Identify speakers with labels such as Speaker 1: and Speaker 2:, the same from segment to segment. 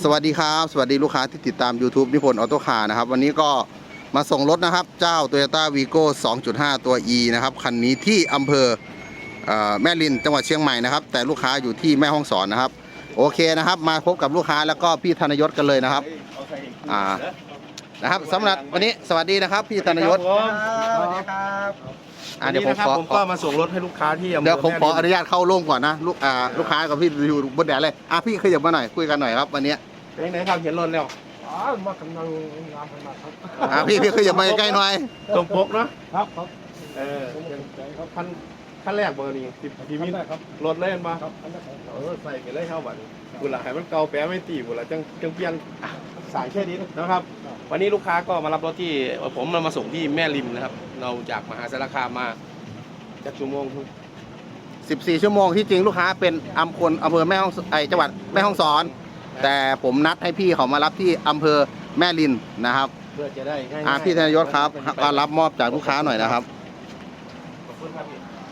Speaker 1: วัสดีครับสวัสดีลูกค้าที่ติดตาม YouTube นิพนธ์ออโต้คาร์นะครับวันนี้ก็มาส่งรถนะครับเจ้า Toyota Vigo 2.5 ตัว E นะครับคันนี้ที่อำเภอแม่ริมจังหวัดเชียงใหม่นะครับแต่ลูกค้าอยู่ที่แม่ฮ่องสอนนะครับโอเคนะครับมาพบกับลูกค้าแล้วก็พี่ธนยศกันเลยนะครับนะครับสำหรับวันนี้สวัสดีนะครับพี่ธนยศ
Speaker 2: สวัสดีครับ
Speaker 1: เดี๋ยวผม
Speaker 2: ก็มาส่งรถให้ลูกค้าที่
Speaker 1: เดี๋ยวผมขออนุญาตเข้าร่วมก่อนนะลูกค้ากับพี่อยู่บนแดดเลยพี่ขยับมาหน่อยคุยกันหน่อยครับวันนี้
Speaker 2: เป็นไหนครับเห็นรถแล้ว
Speaker 3: มากำลังงานขนาดครับ
Speaker 1: พี่ขยับมาใกล้หน่อย
Speaker 2: ตรงปกเนาะ
Speaker 3: ครับ
Speaker 2: ขั้นแรกเบอร์นี้พี่มิ้นครับรถเล่นมาใส่ไปเลยเข้าบัตรบุหรี่ให้มันเก่าแปะไม่ตีบุหรี่จังเปลี่ยนสายแค่นี้นะครับวันนี้ลูกค้าก็มารับรถที่ผมมาส่งที่แม่ริมนะครับเราจากมหาสารคามมาจากชั่วโมง
Speaker 1: 14 ชั่วโมงที่จริงลูกค้าเป็นอำเภอแม่ฮ่องจังหวัดแม่ฮ่องสอนแต่ผมนัดให้พี่เขามารับที่อำเภอแม่ริมนะครับ
Speaker 2: เพื่อจะได้ง่าย
Speaker 1: พี่ธนยศครับก็รับมอบจากลูกค้าหน่อยนะครับ
Speaker 2: ขอบคุณครับ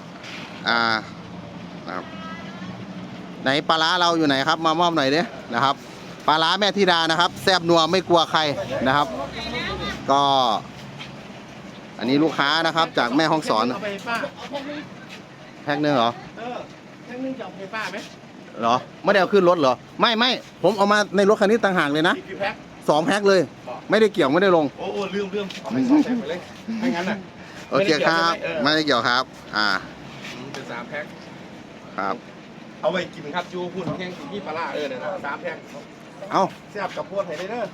Speaker 1: ไหนปลาร้าเราอยู่ไหนครับมามอบหน่อยดินะครับปลาร้าแม่ธิดานะครับแซ่บนัวไม่กลัวใครนะครับก็อันนี้ลูกค้านะครับจากแม่ฮ่องสอนแพ็คนึงเหรอ
Speaker 2: แพ็คนึงจะเอาไปป้าไหม
Speaker 1: เหรอไม่ได้เอาขึ้นรถเหรอไม่ผมเอามาในรถคันนี้ต่างหากเลยนะ2 แพ็คเลยไม่ได้เกี่ยวไม่ได้ลง
Speaker 2: โอ้ลืมไม่2 แพ็คไปเลยไม่งั้นน่ะ
Speaker 1: โอเคครับไม่ได้เกี่ยวครับ
Speaker 2: เป็น3 แพ็ค
Speaker 1: ครับ
Speaker 2: เอาไปกินครับจูพุ่นแห้งกินที่ปลาเนี่ยนะ3 แพ็ค
Speaker 1: เอา
Speaker 2: แซ่บกับพวดไห้ได้เด้อ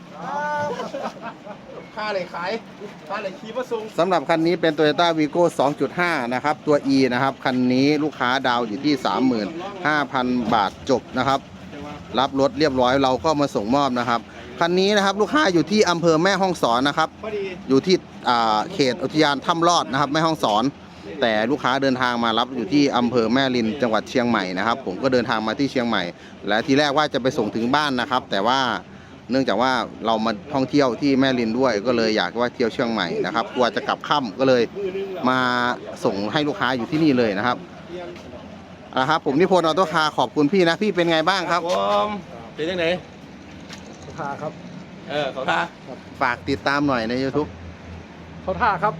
Speaker 2: ค่าเลยขายค่าเลยขี่มาส่ง
Speaker 1: สำหรับคันนี้เป็น Toyota Vigo 2.5 นะครับตัว E นะครับคันนี้ลูกค้าดาวอยู่ที่ 35,000 บาทจบนะครับรับรถเรียบร้อยเราก็มาส่งมอบนะครับคันนี้นะครับลูกค้าอยู่ที่อำเภอแม่ฮ่องสอนนะครับอยู่ที่เขตอุทยานถ้ำลอดนะครับแม่ฮ่องสอนแต่ลูกค้าเดินทางมารับอยู่ที่อำเภอแม่ริมจังหวัดเชียงใหม่นะครับผมก็เดินทางมาที่เชียงใหม่และทีแรกว่าจะไปส่งถึงบ้านนะครับแต่ว่าเนื่องจากว่าเรามาท่องเที่ยวที่แม่ริมด้วยก็เลยอยากว่าเที่ยวเชียงใหม่นะครับกลัวจะกลับค่ำก็เลยมาส่งให้ลูกค้าอยู่ที่นี่เลยนะครับผมนิพนธ์ออโต้คาร์ขอบคุณพี่นะพี่เป็นไงบ้างครับ
Speaker 2: ผมเป็นยังไง
Speaker 3: เขาท่าครับ
Speaker 2: เขาท่า
Speaker 1: ฝากติดตามหน่อยใน YouTube
Speaker 3: เขาท่าครับ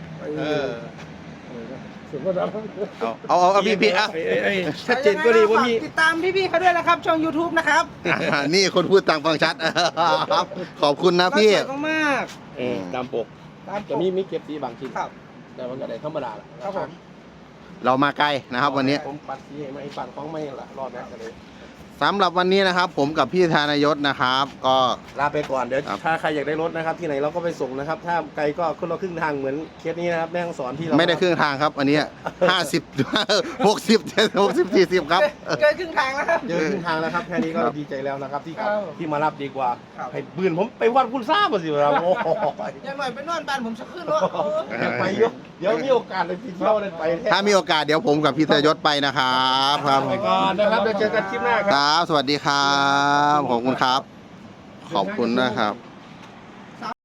Speaker 1: เอาพี่
Speaker 2: ชัดเจนก็ดีว่ามี
Speaker 4: ติดตามพี่เขาด้วยนะครับช่อง YouTube นะครับ
Speaker 1: นี่คนพูดต่างฟังชัดครับขอบคุณนะพี่
Speaker 4: มาก
Speaker 2: ตามปกจะมีเก็บสีบางชิ้นแต่มันก็ได้ธรรมดา
Speaker 4: ครับผม
Speaker 1: เรามาไกลนะครับวันนี้
Speaker 2: ผมปัดสีให้ไม่ปั่นของไม่ละรอดนะเลย
Speaker 1: สำหรับวันนี้นะครับผมกับพี่ธนยศนะครับก็
Speaker 2: ลาไปก่อนเดี๋ยวถ้าใครอยากได้รถนะครับที่ไหนเราก็ไปส่งนะครับถ้าไกลก็ขึ้นเราครึ่งทางเหมือนเคสนี้นะครับแม่ฮ่องสอนที่เรา
Speaker 1: ไม่ได้ครึ่งทางครับอันนี้50 60 70 40ครับ
Speaker 4: เกินครึ่งทางแล้วครับ
Speaker 2: เกินครึ่งทางแล้วครับแค่นี้ก็ดีใจแล้วนะครับที่มารับดีกว่าให้ปืนผมไปวัดคุณทราบมาสิเราโอ้
Speaker 4: อย่างหน่อยไปนอนบ้านผมจะขึ้นรถ
Speaker 2: ไปเยอะเดี๋ยวมีโอกาสเลยพี่เที่ยวเลยไป
Speaker 1: ถ้ามีโอกาสเดี๋ยวผมกับพี่ธนยศไปนะครับ
Speaker 2: ไปก่อนนะครับเดี๋ยวเจอกันคลิปหน้าครับ
Speaker 1: สวัสดีครับขอบคุณครับขอบคุณนะครับ